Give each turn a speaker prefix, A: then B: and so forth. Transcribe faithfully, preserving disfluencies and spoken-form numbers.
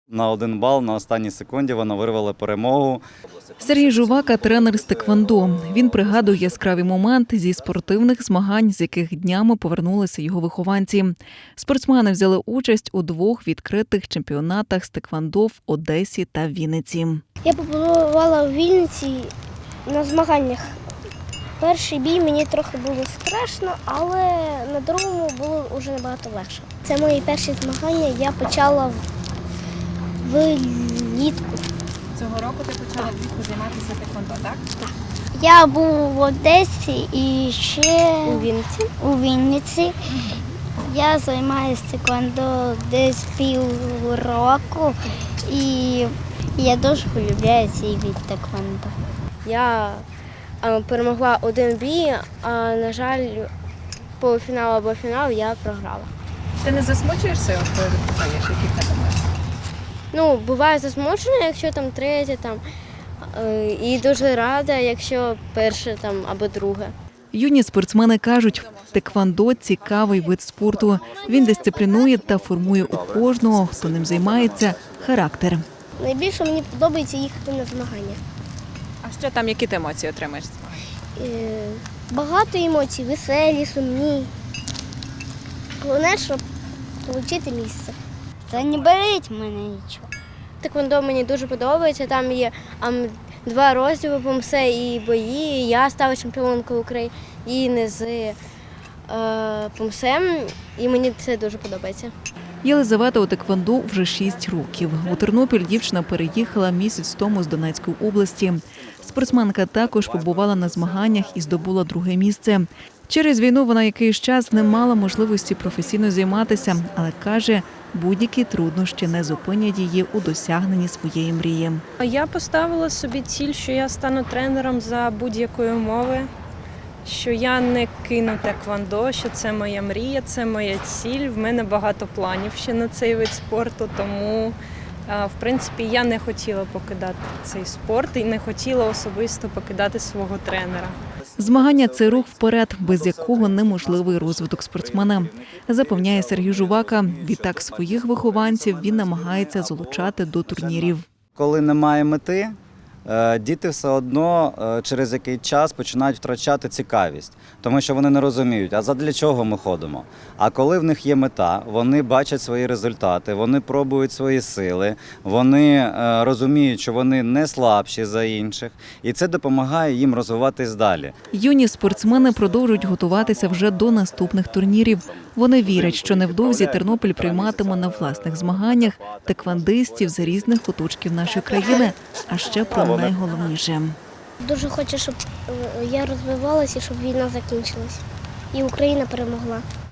A: На один бал на останній секунді вона вирвала перемогу.
B: Сергій Жувака – тренер з теквондо. Він пригадує яскраві моменти зі спортивних змагань, з яких днями повернулися його вихованці. Спортсмени взяли участь у двох відкритих чемпіонатах з теквондо в Одесі та Вінниці.
C: Я побувала в Вінниці на змаганнях. Перший бій мені трохи було страшно, але на другому було вже набагато легше. Це мої перші змагання, я почала влітку.
D: Цього року ти почала влітку займатися теквондо, так?
C: Так. Я був в Одесі і ще у Вінниці. У Вінниці. Я займаюся теквондо десь півроку і я дуже полюбляю цей від теквондо. Я перемогла один бій, а, на жаль, полуфінал або фінал я програла.
D: Ти не засмучуєшся, коли відбуваєш, які в тебе матчі?
C: Ну, буває засмучена, якщо там третє, там, е, і дуже рада, якщо перше там, або друге.
B: Юні спортсмени кажуть, теквондо – цікавий вид спорту. Він дисциплінує та формує у кожного, хто ним займається, характер.
C: Найбільше мені подобається їхати на змагання.
D: А що там, які ти емоції отримаєш?
C: Е, багато емоцій, веселі, сумні. Головне, щоб отримати місце. Та не болить мене нічого. Теквондо мені дуже подобається. Там є ам, два розділи помсе і бої. Я стала чемпіонкою України з е, помсем, і мені це дуже подобається.
B: Єлизавета у теквондо вже шість років. У Тернопіль дівчина переїхала місяць тому з Донецької області. Спортсменка також побувала на змаганнях і здобула друге місце. Через війну вона якийсь час не мала можливості професійно займатися, але каже, будь-які труднощі не зупинять її у досягненні своєї мрії.
E: Я поставила собі ціль, що я стану тренером за будь-якої умови, що я не кину теквондо, що це моя мрія, це моя ціль. В мене багато планів ще на цей вид спорту, тому, в принципі, я не хотіла покидати цей спорт і не хотіла особисто покидати свого тренера.
B: Змагання – це рух вперед, без якого неможливий розвиток спортсмена, запевняє Сергій Жувака. Відтак своїх вихованців він намагається залучати до турнірів.
A: Коли немає мети, діти все одно через який час починають втрачати цікавість, тому що вони не розуміють, а задля чого ми ходимо. А коли в них є мета, вони бачать свої результати, вони пробують свої сили, вони розуміють, що вони не слабші за інших, і це допомагає їм розвиватись далі.
B: Юні спортсмени продовжують готуватися вже до наступних турнірів. Вони вірять, що невдовзі Тернопіль прийматиме на власних змаганнях теквондистів з різних куточків нашої країни, а ще про найголовніше.
C: Дуже хочу, щоб я розвивалася, щоб війна закінчилась і Україна перемогла.